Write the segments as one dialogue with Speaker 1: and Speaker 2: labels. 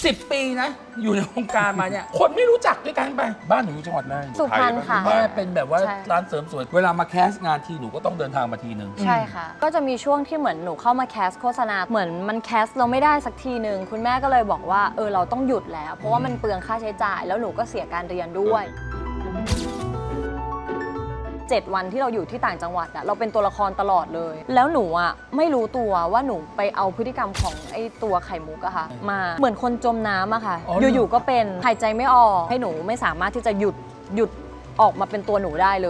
Speaker 1: 10 ปีนะอยู่ในวงการมาเนี่ยคนไม่รู้จักด้วยกันไปบ้านหนูอยู่จังหวัดอะไร
Speaker 2: สุพรรณค่ะ
Speaker 1: แม่เป็นแบบว่า
Speaker 2: ใช่
Speaker 1: ร้านเสริมสวยเวลามาแคสงานทีหนูก็ต้องเดินทางมาทีนึง
Speaker 2: ใช่ค่ะ ก็จะมีช่วงที่เหมือนหนูเข้ามาแคสโฆษณาเหมือนมันแคสเราไม่ได้สักทีหนึ่งคุณแม่ก็เลยบอกว่าเราต้องหยุดแล้ว เพราะว่ามันเปลืองค่าใช้จ่าย แล้วหนูก็เสียการเรียนด้วย7 วันที่เราอยู่ที่ต่างจังหวัดอะเราเป็นตัวละครตลอดเลย แล้วหนูอะไม่รู้ตัวว่าหนูไปเอาพฤติกรรมของไอ้ตัวไข่มุกอะค่ะมาเหมือนคนจมน้ำอะค่ะ
Speaker 1: อ๋อเหรอ
Speaker 2: อยู่ๆก็เป็นหายใจไม่ออกให้หนูไม่สามารถที่จะหยุดออกมาเป็นตัวหนูได้เลย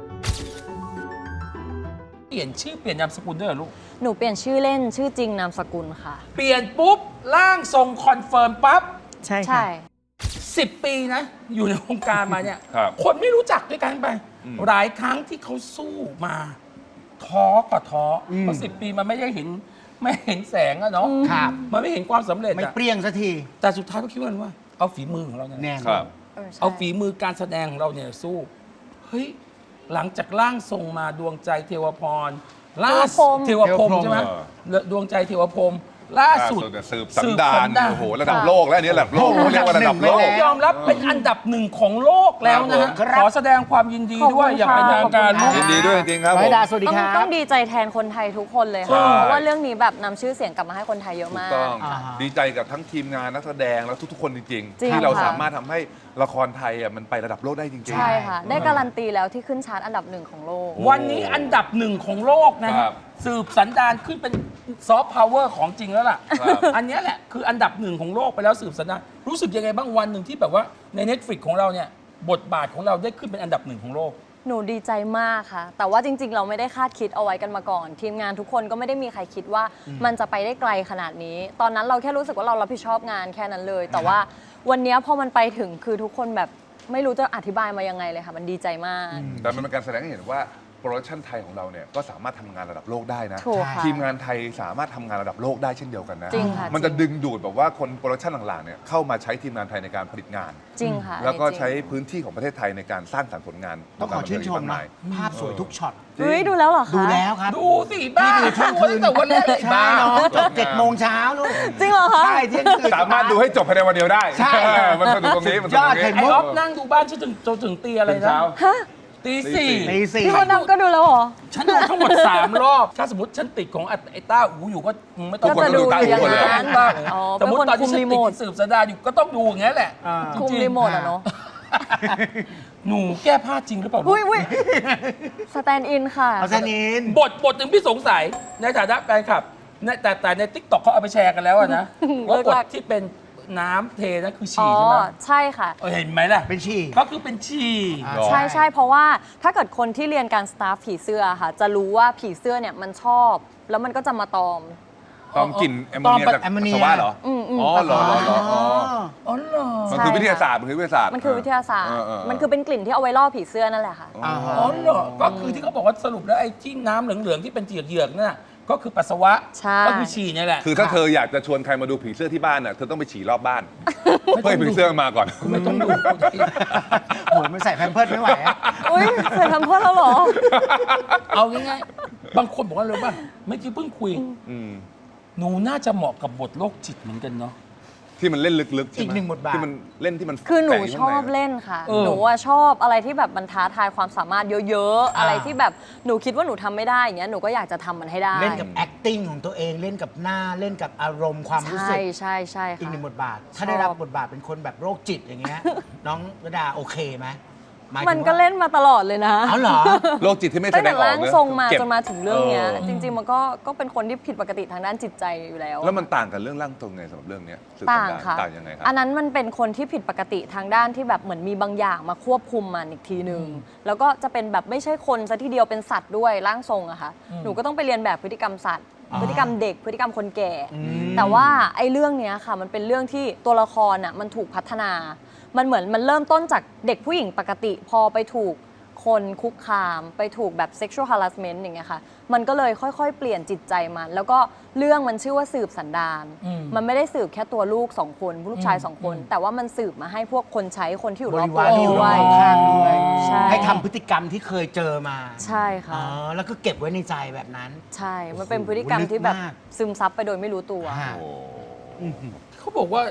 Speaker 1: เปลี่ยนชื่อเปลี่ยนนามสกุลด้วยเหรอลูก
Speaker 2: หนูเปลี่ยนชื่อเล่นชื่อจริงนามสกุลค่ะ
Speaker 1: เปลี่ยนปุ๊บร่างทรงคอนเฟิร์มปั๊บ
Speaker 3: ใช่ค่ะ
Speaker 2: ใช่
Speaker 1: 10 ปีนะอยู่ในวงการมาเนี่ย
Speaker 4: ครับ
Speaker 1: คนไม่รู้จักด้วยกันไป หลายครั้งที่เขาสู้มาท้อก็ท้ออเพราะ10 ปีมันไม่เห็นแสงอะเนาะ
Speaker 3: ครับ
Speaker 1: มันไม่เห็นความสำเร็จ
Speaker 3: ไม่
Speaker 1: อะ
Speaker 3: เปรี้ยงสักที
Speaker 1: แต่สุดท้ายก็คิดว่าเอาฝีมือของเราเนี่ย
Speaker 3: แน่น
Speaker 4: ครับ
Speaker 2: ใช่
Speaker 1: เอาฝีมือการแสดงของเราเนี่ยสู้เฮ้ยหลังจากร่างทรงมาดวงใจเทวพรล่าสุดเทวพรหมใช่ไหมดวงใจเทวพรหมล่าสุด
Speaker 4: สืบสันดานโอ้โหระดับโลกแล้วอันนี้ระดับโลกเรียกว่าระดับโลก
Speaker 1: ยอมรับเป็นอันดับหนึ่งของโลกแล้วนะฮะ
Speaker 3: ครับ
Speaker 1: ขอแสดงความยินดีด้วย
Speaker 2: ขอบคุณ
Speaker 1: อย่างเป็นทางการ
Speaker 2: ค่ะ
Speaker 1: ลูก
Speaker 4: ยินดีด้วยจริงๆครับ
Speaker 3: ร้
Speaker 4: ผ
Speaker 3: อย
Speaker 4: ม
Speaker 3: ดาสวัสดี
Speaker 2: ต้อง
Speaker 3: ครับ
Speaker 2: ต้องดีใจแทนคนไทยทุกคนเลย
Speaker 4: ใช่
Speaker 2: ค่ะ เพราะว่าเรื่องนี้แบบนำชื่อเสียงกลับมาให้คนไทยเยอะ
Speaker 4: ถูก
Speaker 2: มาก
Speaker 4: ต้อง
Speaker 3: อ่าฮะ
Speaker 4: ดีใจกับทั้งทีมงานนักแสดงแล้วทุกๆคนจริง
Speaker 2: จริง
Speaker 4: ๆ ที่เรา
Speaker 2: ค่ะ
Speaker 4: สามารถทำให้ละครไทยอ่ะมันไประดับโลกได้จริงๆ
Speaker 2: ใช่ค่ะ ได้การันตีแล้วที่ขึ้นชาร์ตอันดับหนึ่งของโลก
Speaker 1: วันนี้อันดับหนึ่งของโลกนะ
Speaker 4: ครั
Speaker 1: ฮะ
Speaker 4: บ
Speaker 1: สืบสันดานขึ้นเป็นซอฟต์พาวเวอร์ของจริงแล้วล่ะ
Speaker 4: ครับ
Speaker 1: อันเนี้ยแหละคืออันดับหนึ่งของโลกไปแล้วสืบสันดานรู้สึกยังไงบ้างวันหนึ่งที่แบบว่าใน Netflix ของเราเนี่ยบทบาทของเราได้ขึ้นเป็นอันดับหนึ่งของโลก
Speaker 2: หนูดีใจมากค่ะ แต่ว่าจริง ๆ เราไม่ได้คาดคิดเอาไว้กันมาก่อน ทีมงานทุกคนก็ไม่ได้มีใครคิดว่ามันจะไปได้ไกลขนาดนี้ ตอนนั้นเราแค่รู้สึกว่าเรารับผิดชอบงานแค่นั้นเลย แต่ว่าวันเนี้ยพอมันไปถึงคือทุกคนแบบไม่รู้จะอธิบายมายังไงเลยค่ะ มันดีใจมาก
Speaker 4: แต่มันเป็นการแสดงให้เห็นว่าโปรดักชันไทยของเราเนี่ยก็สามารถทำงานระดับโลกได้นะ
Speaker 2: ถูกค่ะ
Speaker 4: ทีมงานไทยสามารถทำงานระดับโลกได้เช่นเดียวกันนะ
Speaker 2: จริงค่ะ
Speaker 4: มันจะ
Speaker 2: จริง
Speaker 4: ดึงดูดแบบว่าคนโปรดักชันหลังๆเนี่ยเข้ามาใช้ทีมงานไทยในการผลิตงาน
Speaker 2: จริงค่ะ
Speaker 4: แล้วก็
Speaker 2: อันนี้จริง
Speaker 4: ใช้พื้นที่ของประเทศไทยในการสร้างสรรค์ผลงาน
Speaker 3: ต้องขอชื่นชม
Speaker 4: วง
Speaker 3: นะ
Speaker 4: การบันเทิงอีกมากมาย
Speaker 3: ภาพสวยทุกช็อต
Speaker 2: เฮ้ยดูแล้วเหรอคะ
Speaker 3: ดูแล้วครับ
Speaker 1: ดูสิบ้า
Speaker 3: นี่คือเที่ยงคืน
Speaker 1: ตั้งแต่วันแรกเลย
Speaker 3: ใช่
Speaker 1: บ้า
Speaker 3: น้องจบ7 โมงเช้าลูก
Speaker 2: จริงเหรอคะ
Speaker 3: ใช่เที่ยงคืน
Speaker 4: สามารถดูให้จบภายในวันเดียวได้
Speaker 3: ใช่
Speaker 4: มันสนุกตรงนี้มันสนุกตรง
Speaker 3: ยอดไข่
Speaker 4: นี้
Speaker 3: มุ
Speaker 1: ไอ้ออฟนั่งดูบ้านฉันถึงตีอะไร
Speaker 4: ตื่น
Speaker 1: นะ
Speaker 4: เช้า
Speaker 1: ตีสี่
Speaker 3: ตีสี่
Speaker 2: พี่มดดำก็ดูแล้วเหรอ
Speaker 1: ฉันดูทั้งหมด 3 รอบ ถ้าสมมติฉันติดของไอ้ต้าอูอยู่ก็ไม่ต้อง
Speaker 2: ก็จะดูอย่างนั้น
Speaker 1: ต้า
Speaker 2: อ๋อ
Speaker 1: สมมติ
Speaker 2: เป็นคน
Speaker 1: ตอนที่
Speaker 2: คุม
Speaker 1: ฉัน
Speaker 2: รี
Speaker 1: ติ
Speaker 2: โม
Speaker 1: ด
Speaker 2: ท
Speaker 1: สืบสันดานอยู่ก็ต้องดูอย่างนี้ยแหละ
Speaker 3: อ่า
Speaker 1: จงๆ
Speaker 2: คุมรีโมทอะเนาะ
Speaker 1: หนูแก้ผ้าจริงหรือเปล่าลูก
Speaker 2: อุ้ยสแตนด์อินค่ะ
Speaker 3: เอาซะนิน
Speaker 1: บทหนึ่งพี่สงสัยในฐานะแฟนคลับแต่ในทิกตอกเขาเอาไปแชร์กันแล้วอะนะว่าบทที่เป็นน้ำเทนั่นคือฉี่
Speaker 2: อ๋อ
Speaker 1: ใช่ไหม
Speaker 2: ใช่ค่ะ
Speaker 1: เห็นไหมล่ะ
Speaker 3: เป็นฉี่
Speaker 1: ก็คือเป็นฉี่
Speaker 3: อ่า
Speaker 2: ใช่ใช่เพราะว่าถ้าเกิดคนที่เรียนการสตาฟผีเสื้อค่ะ จะรู้ว่าผีเสื้อเนี่ยมันชอบ แล้วมันก็จะมาตอม
Speaker 4: ตอมกลิ่นแอมโมเนียจาก
Speaker 3: แอมโมเนีย
Speaker 4: ปัสสาวะเหรอ
Speaker 2: อืม
Speaker 4: อ๋อเหรอเหรอเหรออ๋อ
Speaker 1: อ๋อเหรอ
Speaker 4: มันคือวิทยาศาสตร์มันคือวิทยาศาสตร์
Speaker 2: มันคือวิทยาศาสตร์ มันคือเป็นกลิ่นที่เอาไว้ล่อผีเสื้อนั่นแหละค่ะ
Speaker 3: อ่า
Speaker 1: อ๋อเหรอก็คือที่เขาบอกว่าสรุปแล้วไอ้ที่น้ำเหลืองๆที่เป็นเหยือกๆนั่นน่ะก็คือปัสสาวะ
Speaker 2: ใช่
Speaker 1: ก็คือฉี่เนี่ยแหละ
Speaker 4: คือถ้าเธออยากจะชวนใครมาดูผีเสื้อที่บ้านน่ะเธอต้องไปฉี่รอบบ้านเพื่อให้ผีเสื้อมาก่อน
Speaker 1: ไม่ต้องดู
Speaker 3: โหยมันใส่แพมเพิร์สไม่ไหวอะ
Speaker 2: อุ้ยเคยทำเพื่อแล้วเหรอ
Speaker 1: เอาง่ายๆ บางคนบอกว่าเลยว่าเมื่อกี้เพิ่งคุย
Speaker 4: อืม
Speaker 1: หนูน่าจะเหมาะกับบทโรคจิตเหมือนกันเนาะ
Speaker 4: ที่มันเล่นลึกๆใช่ไหม
Speaker 3: อีกหนึ่งบทบาท
Speaker 4: ที่มันเล่นที่มัน
Speaker 2: คือหนู
Speaker 4: แฝงยู่
Speaker 2: ช
Speaker 4: ข้าง
Speaker 2: อบ
Speaker 4: ใะ
Speaker 2: เล่นค่ะ
Speaker 1: เออ
Speaker 2: หนูว่าชอบอะไรที่แบบมันท้าทายความสามารถเยอะๆ อะไรที่แบบหนูคิดว่าหนูทำไม่ได้อย่างเงี้ยหนูก็อยากจะทำมันให้ได้
Speaker 3: เล่นกับ acting ของตัวเองเล่นกับหน้าเล่นกับอารมณ์ความรู้สึ
Speaker 2: ใช่
Speaker 3: ก
Speaker 2: ใช่ใช่
Speaker 3: อีก
Speaker 2: ค่ะ
Speaker 3: หนึ่งบทบาท ถ้า
Speaker 2: ชอบ
Speaker 3: ได้รับบทบาทเป็นคนแบบโรคจิตอย่างเงี้ย น้องระดาโอเคไหมหายถึง
Speaker 2: มันก็
Speaker 3: ว่า
Speaker 2: เล่นมาตลอดเลยนะ
Speaker 3: เอาเหรอ
Speaker 4: โรคจิตที่ไม่แส
Speaker 2: ตั้ง
Speaker 4: ด
Speaker 2: แต่
Speaker 4: งออก
Speaker 2: ร่าง
Speaker 4: เนอะ
Speaker 2: ทรงมา
Speaker 4: เก็บ
Speaker 2: จนมาถึงเรื่องเนี้ย
Speaker 4: เออ
Speaker 2: จริง ๆ มันก็เป็นคนที่ผิดปกติทางด้านจิตใจอยู่แล้ว
Speaker 4: แล้วมันต่างกันเรื่องร่างทรงไงสำหรับเรื่องเนี้ยสืบ
Speaker 2: ต่าง
Speaker 4: สันดน
Speaker 2: ค่ะ
Speaker 4: ต่างยังไงครับ
Speaker 2: อันนั้นมันเป็นคนที่ผิดปกติทางด้านที่แบบเหมือนมีบางอย่างมาควบคุมมันอีกทีหนึ่งแล้วก็จะเป็นแบบไม่ใช่คนซะทีเดียวเป็นสัตว์ด้วยร่างทรงอะค่ะหนูก็ต้องไปเรียนแบบพฤติกรรมสัตว์
Speaker 3: อ๋อ
Speaker 2: พฤติกรรมเด็กพฤติกรรมคนแก่
Speaker 3: ม
Speaker 2: แต่ว่าไอ้เรื่องเนี้ยค่ะมันเป็นเรื่องที่ตัวละครอะมันถูกพัฒนา มันเหมือนมันเริ่มต้นจากเด็กผู้หญิงปกติ พอไปถูกคนคุกคามไปถูกแบบ sexual harassment อย่างเงี้ยค่ะมันก็เลยค่อยๆ เปลี่ยนจิตใจมัน แล้วก็เรื่องมันชื่อว่าสืบสันดาน มันไม่ได้สืบแค่ตัวลูกสองคนลูกชายสองคน แต่ว่ามันสืบมาให้พวกคนใช้คนที่อยู่
Speaker 3: บ
Speaker 2: รอบ
Speaker 3: ริ
Speaker 2: ตัว
Speaker 3: วารที่อยู่
Speaker 2: ด้
Speaker 3: ร
Speaker 2: ว
Speaker 3: อย บข้างด้วย
Speaker 2: ใช่
Speaker 3: ให้ทำพฤติกรรมที่เคยเจอมา
Speaker 2: ใช่ค่ะ
Speaker 3: อ๋อแล้วก็เก็บไว้ในใจแบบนั้น
Speaker 2: ใช่ มันเป็นพฤติกรรมที่แบบ
Speaker 3: ลึกมาก
Speaker 2: ซึมซับไปโดยไม่รู้ตัว
Speaker 3: ฮะ
Speaker 4: โอ้
Speaker 3: อื้อหือ
Speaker 1: เขาบอกว่า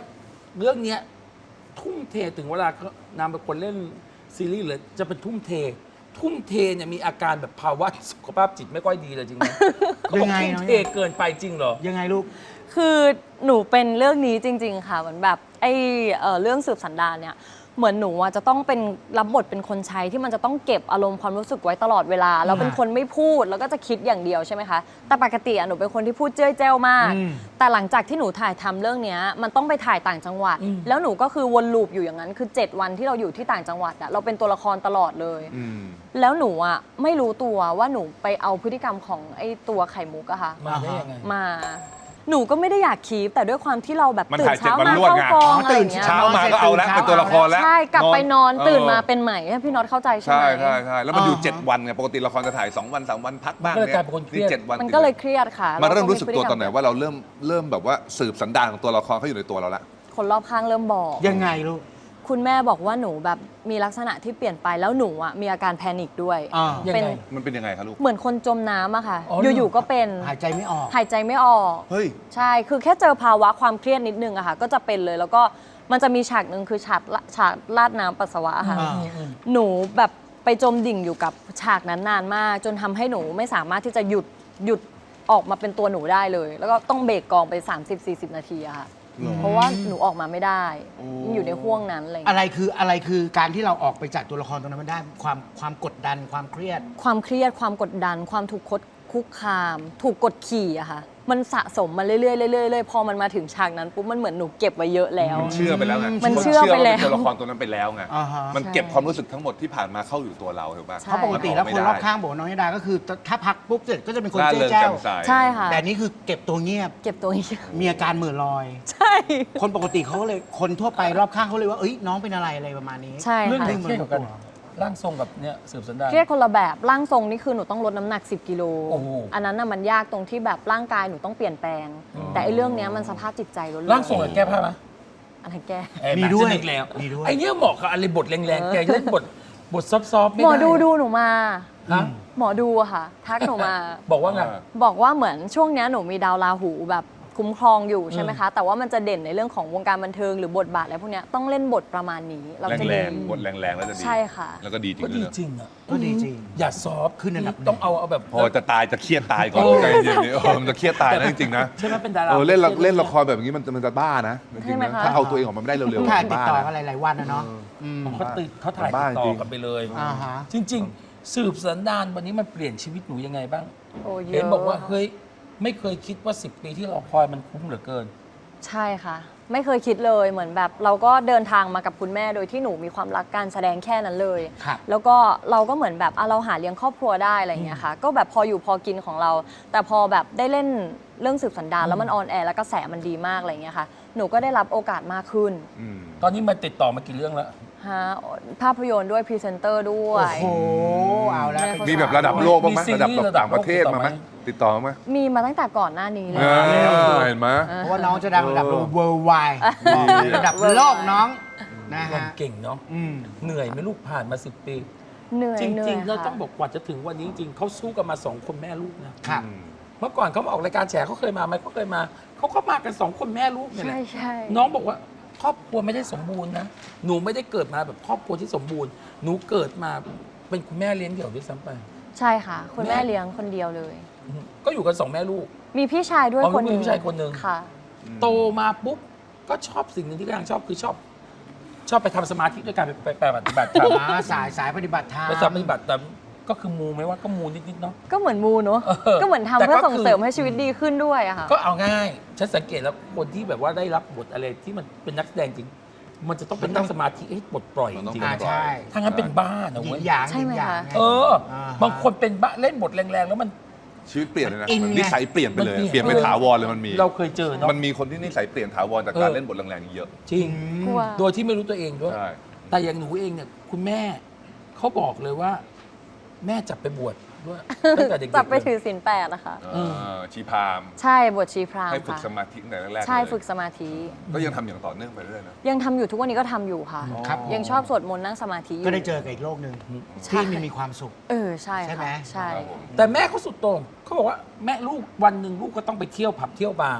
Speaker 1: เรื่องเนี้ยทุ่มเทถึงเวลานางเป็นคนเล่นซีรีส์เลยจะเป็นทุ่มเทเนี่ยมีอาการแบบภาวะสุขภาพจิตไม่ค่อยดีเลยจริงไหมเขาบอกทุ่มเทเกินไปจริงเหรอ
Speaker 3: ยังไงลูก
Speaker 2: คือหนูเป็นเรื่องนี้จริง ๆ ค่ะเหมือนแบบเรื่องสืบสันดานเนี่ยเหมือนหนูจะต้องเป็นรับบทเป็นคนใช้ที่มันจะต้องเก็บอารมณ์ความรู้สึกไว้ตลอดเวลาแล้วเป็นคนไม่พูดแล้วก็จะคิดอย่างเดียวใช่ไหมคะแต่ปกติหนูเป็นคนที่พูดเจ้ยแจ้วมากแต่หลังจากที่หนูถ่ายทำเรื่องนี้มันต้องไปถ่ายต่างจังหวัดแล้วหนูก็คือวนลูปอยู่อย่างนั้นคือ7 วันที่เราอยู่ที่ต่างจังหวัดเราเป็นตัวละครตลอดเลยแล้วหนูไม่รู้ตัวว่าหนูไปเอาพฤติกรรมของไอ้ตัวไข่มุกอะค่ะ
Speaker 1: มาได้ยังไง
Speaker 2: มาหนูก็ไม่ได้อยากคีปแต่ด้วยความที่เราแบบ
Speaker 4: มัน
Speaker 2: ตื่น
Speaker 4: ถ่าย7
Speaker 2: เช้า
Speaker 4: วัน
Speaker 2: มาร
Speaker 4: วด
Speaker 2: เข้า
Speaker 4: ไง
Speaker 2: กอง
Speaker 3: อ๋อ
Speaker 2: อะไรอย่างเงี้ย
Speaker 3: ตื่น
Speaker 4: เช้ามาก็เอาแล้วเป็นตัวละครแล้ว
Speaker 2: ใช่กลับไปนอนตื่นมา
Speaker 4: เออ
Speaker 2: เป็นใหม่ให้พี่น็อตเข้าใจใช่ไหม
Speaker 4: ใช่แล้วมันอยู่ 7 วันไงปกติละครจะถ่าย2 วัน 3 วันพักบ้าง
Speaker 1: ก็เลย
Speaker 4: เนี่ย
Speaker 1: กลายเป็นคนเครียด
Speaker 4: 7 วัน
Speaker 2: มันก็เลยเครียดค่ะ
Speaker 4: มาเริ่ม
Speaker 2: แล้
Speaker 4: รู้สึกตัวตอนไหน
Speaker 2: พฤ
Speaker 4: ว่าเราเริ่มแบบว่าสืบสันดานของตัวละครเขาอยู่ในตัวเราละ
Speaker 2: คนรอบข้างเริ่มบอก
Speaker 3: ยังไงลูก
Speaker 2: คุณแม่บอกว่าหนูแบบมีลักษณะที่เปลี่ยนไปแล้วหนูมีอาการแพนิคด้วย
Speaker 3: อ่า
Speaker 1: ยัง
Speaker 2: เป็น
Speaker 1: ไง
Speaker 4: มันเป็นยังไงคะลูก
Speaker 2: เหมือนคนจมน้ำอะค่ะ
Speaker 1: อ๋อเหรอ
Speaker 2: อยู่ๆก็เป็น
Speaker 3: หายใจไม่ออก
Speaker 2: หายใจไม่ออก
Speaker 4: เฮ้ย
Speaker 2: ใช่ คือแค่เจอภาวะความเครียดนิดนึงอะค่ะ ก็จะเป็นเลย แล้วก็มันจะมีฉากหนึ่งคือฉากราดน้ำปัสสาวะอะค่ะ หนูแบบไปจมดิ่งอยู่กับฉากนั้นนานมาก จนทำให้หนูไม่สามารถที่จะหยุดออกมาเป็นตัวหนูได้เลย แล้วก็ต้องเบรกกองไป 30-40 นาทีอะค่ะ เพราะว่าหนูออกมาไม่ได้ยังอยู่ในห่วงนั้นอะไรอย่าง
Speaker 3: อะ
Speaker 2: เงี้ย
Speaker 3: ไรคือการที่เราออกไปจากตัวละครตรงนั้นมันได้ความกดดันความเครียด
Speaker 2: ความเครียด ความกดดัน ความถูกคุกคาม ถูกกดขี่อะค่ะ มันสะสมมาเรื่อยๆเรื่อยๆพอมันมาถึงฉากนั้นปุ๊บ มันเหมือนหนูเก็บไว้เยอะแล้ว
Speaker 4: เชื่อไปแล้วไง
Speaker 2: มันเชื่อไปแล้ว
Speaker 4: าเป็นตัวละครตัวนั้นไปแล้วไง
Speaker 3: อ่าฮะ
Speaker 4: มันเก็บความรู้สึกทั้งหมดที่ผ่านมาเข้าอยู่ตัวเราถูกป่ะ
Speaker 2: ใช่
Speaker 3: เพราะปกติแล้ว
Speaker 4: มัน
Speaker 3: ค
Speaker 4: ออกไม่
Speaker 3: น
Speaker 4: ได้
Speaker 3: รอบข้างบอกว่าน้องยดาก็คือถ้าพักปุ๊บเสร็จก็จะเป็นคน
Speaker 4: ร่า
Speaker 3: เจ๊
Speaker 4: เริง
Speaker 3: แจ้
Speaker 4: แจ่
Speaker 3: ว
Speaker 4: มใส
Speaker 2: ใช่ค่ะ
Speaker 3: แต่อันนี่คือเก็บตัวเงียบ
Speaker 2: เก็บตัวเอง
Speaker 3: มีอาการเหม่อลอย
Speaker 2: ใช่
Speaker 3: คนปกติเขาก็เลยคนทั่วไปรอบข้างเขาเลยว่าเอ้ยน้องเป็นอะไรประมาณนี้
Speaker 2: ใช่
Speaker 1: เรื่อง
Speaker 2: ค่ะ
Speaker 1: ไหนเครียดกว่ากันร่างทรงกับเนี่ยสืบสันดาน
Speaker 2: เครียดคนละแบบร่างทรงนี่คือหนูต้องลดน้ำหนัก 10 กิโล
Speaker 1: โอ้โห
Speaker 2: อันนั้นน่ะมันยากตรงที่แบบร่างกายหนูต้องเปลี่ยนแปลง แต่ไอ้เรื่องเนี้ยมันสภาพจิตใจล้วนๆ
Speaker 1: ร่างทรงกับแก้ผ้าไหม
Speaker 2: อะไรแก้
Speaker 3: มีด้วย
Speaker 1: แล้
Speaker 3: มีด้วย
Speaker 1: ไอ้เนี่ยเหมาะกับอะไรบทแรงๆแกเล่นบทซอฟต์ๆไม่
Speaker 2: หมอ
Speaker 1: ได้
Speaker 2: ดูหนูมา
Speaker 1: ฮะ
Speaker 2: หมอดูอะค่ะ ทักหนูมา
Speaker 1: บอกว่าไง
Speaker 2: บอกว่าเหมือนช่วงเนี้ยหนูมีดาวราหูแบบคุ้มครองอยู่ใช่ไหมคะ แต่ว่ามันจะเด่นในเรื่องของวงการบันเทิงหรือบทบาทอะไรพวกเนี้ยต้องเล่นบทประมาณนี้เราจะ
Speaker 4: แร
Speaker 2: ดี
Speaker 4: งๆบทแรงๆแล้วจะดี
Speaker 2: ใช่ค่ะ
Speaker 4: แล้วก็ดีจริง
Speaker 1: ก็
Speaker 4: เล
Speaker 1: ดี
Speaker 4: ยนะ
Speaker 1: จริงอ่ะ
Speaker 3: ก็ดีจริง
Speaker 1: อย่าซอฟต์
Speaker 3: ขึ้นอันดับ
Speaker 1: ต้องเอาแบบ
Speaker 4: พอจะตายจะเครียดตายก่อน
Speaker 1: โอ้
Speaker 4: ใจเย็นๆมันจะเครียดตายนะจริงๆนะ
Speaker 1: ใช่ไหมเป็นดารา
Speaker 4: เล่นละครแบบนี้มันจะบ้านะจริงๆนะถ้าเอาตัวเองออกมาไม่ได้เร็วๆ
Speaker 3: ถ่ายติด
Speaker 4: บ้า
Speaker 3: ต่อ
Speaker 4: นะ
Speaker 3: กันหลายๆวันนะเนาะอืม
Speaker 1: เขาถ่าย
Speaker 4: บ้า
Speaker 1: ติดต่
Speaker 4: จริ
Speaker 1: อง กันไปเลย
Speaker 3: อ่าฮะ
Speaker 1: จริง ๆ สืบสันดานวันนี้มันเปลี่ยนชีวิตหนูยังไงบ้าง
Speaker 2: โอ้เย
Speaker 1: เห็น
Speaker 2: อะ
Speaker 1: บอกว่าเฮ้ยไม่เคยคิดว่า 10 ปีที่เราคอยมันคุ้มเหลือเกิน
Speaker 2: ใช่ค่ะ ไม่เคยคิดเลยเหมือนแบบเราก็เดินทางมากับคุณแม่โดยที่หนูมีความรักการแสดงแค่นั้นเลย
Speaker 3: ครับ
Speaker 2: แล้วก็เราก็เหมือนแบบเราหาเลี้ยงครอบครัวได้อะไรอย่างเงี้ยค่ะ ก็แบบพออยู่พอกินของเรา แต่พอแบบได้เล่นเรื่องสืบสันดานแล้วมันออนแอร์แล้วกระแสมันดีมากอะไรอย่างเงี้ยค่ะ หนูก็ได้รับโอกาสมากขึ้น
Speaker 4: อืม
Speaker 1: ตอนนี้มันติดต่อมากี่เรื่องแล้ว
Speaker 2: ฮะภาพยนตร์ด้วยพรีเซนเตอร์ด้ว
Speaker 3: โอ้
Speaker 2: ย
Speaker 3: โหเอาแล้ว
Speaker 2: แม่
Speaker 4: มีแบบระดับโลกบ้างไหม
Speaker 1: มีซีรีส์
Speaker 4: ระดับแบบ
Speaker 1: ระดับ
Speaker 4: ต่างประเทศ
Speaker 1: โลก
Speaker 4: มาไหมติดต่อมาไหม
Speaker 2: มีมาตั้งแต่ก่อนหน้านี้เลย
Speaker 4: เห็นไหม
Speaker 3: เพราะว่าน้องจะดังระดับ worldwide ระดับโลกน้องนะ
Speaker 1: มัน
Speaker 3: ฮะ
Speaker 1: เก่งเนาะ
Speaker 3: อืม
Speaker 1: เหนื่อยไหม่ลูกผ่านมา 10 ปี
Speaker 2: เหนื่อย
Speaker 1: จ
Speaker 2: เหนื่
Speaker 1: ริ
Speaker 2: อย
Speaker 1: งๆเรา
Speaker 2: ค่ะ
Speaker 1: ต้องบอกกว่าจะถึงวันนี้จริงๆเขาสู้กันมา 2 คนแม่ลูกนะครับ เมื่อก่อนเขามาออกรายการแฉเขาเคยมาไหมเขาเคยมาเขาก็มากัน 2 คนแม่ลูกเนี่ยแห
Speaker 2: ใช่
Speaker 1: ละ
Speaker 2: ใช่
Speaker 1: น้องบอกว่าครอบครัวไม่ได้สมบูรณ์นะหนูไม่ได้เกิดมาแบบครอบครัวที่สมบูรณ์หนูเกิดมาเป็นคุณแม่เลี้ยงเดี่ยวด้วยซ้ำไป
Speaker 2: ใช่ค่ะ คุณแม่เลี้ยงคนเดียวเลย
Speaker 1: ก็อยู่กัน2 แม่ลูก
Speaker 2: มีพี่ชายด้วย
Speaker 1: อ๋อ
Speaker 2: คนหนึ
Speaker 1: มี
Speaker 2: ง
Speaker 1: พี่ชายคนหนึ่ง
Speaker 2: ค่ะ
Speaker 1: โตมาปุ๊บก็ชอบสิ่งหนึ่งที่กำลังชอบคือชอบไปทำสมาธิด้วยการไปปฏิบัติธรรม
Speaker 3: สายปฏิบัติธรรม
Speaker 1: ไปปฏิบัติแต่ก็คือมูไหมว่าก็มูนิดๆเนาะ
Speaker 2: ก็เหมือนมูเนอะ
Speaker 1: เออ
Speaker 2: ก็เหมือนทำ
Speaker 1: แต่ก็
Speaker 2: เพื่อส่ง
Speaker 1: คือ
Speaker 2: เสริมให้ชีวิตดีขึ้นด้วยอะค่ะ
Speaker 1: ก็เอาง่ายฉันสังเกตแล้วคนที่แบบว่าได้รับบทอะไรที่มันเป็นนักแสดงจริง มันจะต้องเป็นนั่งสมาธิให้ปลดปล่อยจริง
Speaker 3: อ่าใช่
Speaker 1: ๆถ้างั้นเป็นบ้านะ
Speaker 3: หยิ
Speaker 1: เว้
Speaker 3: น
Speaker 1: ย
Speaker 3: หยาง
Speaker 2: ใช่
Speaker 3: หยิ
Speaker 2: ไหม
Speaker 3: นหยาง
Speaker 2: คะ
Speaker 3: ไง
Speaker 1: เออ
Speaker 3: อ่าฮะ
Speaker 1: บางคนเป็นบ้าเล่นบทแรงๆแล้วมัน
Speaker 4: ชีวิตเปลี่ยนเลยนะ
Speaker 3: อินไง
Speaker 4: นิสัยเปลี่ยนไปเลย
Speaker 1: มันเปลี่ยน
Speaker 4: เปลี่ยนไปถาวรเลยมันมี
Speaker 1: เราเคยเจอเนาะ
Speaker 4: มันมีคนที่นิสัยเปลี่ยนถาวรจากการเล่นบทแรงๆเยอะ
Speaker 1: จริง
Speaker 2: กลัว
Speaker 1: โดยที่ไม่รู้ตัวเองด้วย
Speaker 4: ใช่
Speaker 1: แต่อย่างหนูเองเนี่ยคุณแม่เขาบอกเลยว่า แม่จับไปบวชด้วยตั้งแต่เด็กๆ
Speaker 2: จับไป
Speaker 1: เลย
Speaker 2: ถือศีล8นะคะ
Speaker 4: ชีพราหมณ์
Speaker 2: ใช่บวชชีพราหม
Speaker 4: ให้
Speaker 2: ณ์
Speaker 4: ฝึก
Speaker 2: ค่ะ
Speaker 4: สมาธิตั้งแต่แรกๆ
Speaker 2: ใช่
Speaker 4: เลย
Speaker 2: ฝึกสมาธิ
Speaker 4: ก็ยังทำอย่างต่อเนื่องไปเรื่อยๆนะ
Speaker 2: ยังทำอยู่ทุกวันนี้ก็ทำอยู่ค่ะ
Speaker 3: ครับ
Speaker 2: ยังชอบสวดมนต์นั่งสมาธิอยู่
Speaker 3: ก็ได้เจอกับอีกโลกหนึ่ง
Speaker 2: ใช่
Speaker 3: ที่มีความสุข
Speaker 2: ใช่
Speaker 3: ใช่ไหม
Speaker 2: ค่ะใช่
Speaker 1: แต่แม่เขาสุดโต่งเขาบอกว่าแม่ลูกวันหนึ่งลูกก็ต้องไปเที่ยวผับเที่ยวบาร์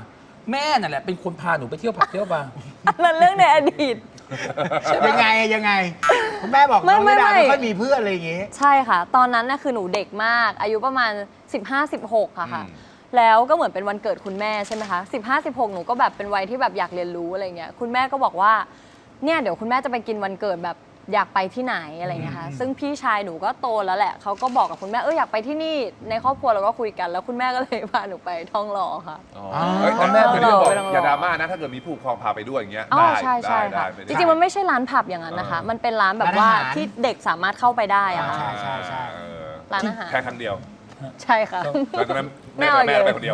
Speaker 1: แม่นั่นแหละเป็นคนพาหนูไปเที่ยวผับเที่ยวบาร์
Speaker 2: นั่นเรื่องในอดีต
Speaker 3: ยังไงคุณแม่บอกน้อง
Speaker 2: ไม่
Speaker 3: ระดา
Speaker 2: ไม่
Speaker 3: ไม่ค่อยมีเพื่อนอะไรอย่างงี้
Speaker 2: ใช่ค่ะ ตอนนั้นน่ะคือหนูเด็กมาก อายุประมาณ 15-16ค่ะ
Speaker 4: อืม
Speaker 2: แล้วก็เหมือนเป็นวันเกิดคุณแม่ใช่ไหมคะ 15-16 หนูก็แบบเป็นวัยที่แบบอยากเรียนรู้อะไรเงี้ย คุณแม่ก็บอกว่า เนี่ยเดี๋ยวคุณแม่จะไปกินวันเกิดแบบอยากไปที่ไหนอะไรเงี้ยค่ะ ซึ่งพี่ชายหนูก็โตแล้วแหละ เขาก็บอกกับคุณแม่อยากไปที่นี่ ในครอบครัวเราก็คุยกัน แล้วคุณแม่ก็เลยพาหนูไปท่องหล่อค่ะ
Speaker 4: เฮ้ย
Speaker 1: พ่อแม่
Speaker 4: แต่ที่บอก
Speaker 2: ไปลอง
Speaker 4: อย่าดราม่านะ ถ้าเกิดมีผู้ปกครองพาไปด้วยอย่างเงี้ย
Speaker 2: อ๋อ
Speaker 4: ได้
Speaker 2: ใช่ใช่
Speaker 4: ได้
Speaker 2: ค่ะ
Speaker 4: ได้
Speaker 2: จริงๆมันไม่ใช่ร้านผับอย่างนั้นนะคะ มันเป็นร้านแบบว่า
Speaker 3: ร้านอาหาร
Speaker 2: ที่เด็กสามารถเข้าไปได้อะค่ะ
Speaker 3: ใช่
Speaker 4: เออ
Speaker 2: ร้านอาหาร
Speaker 4: แค่ครั้งเดียว
Speaker 2: ใช่ค่ะ
Speaker 4: แล้วตอนนั้น
Speaker 2: ไม่
Speaker 4: แม่
Speaker 2: เอา
Speaker 4: ไป
Speaker 2: เลย
Speaker 4: คนเดียว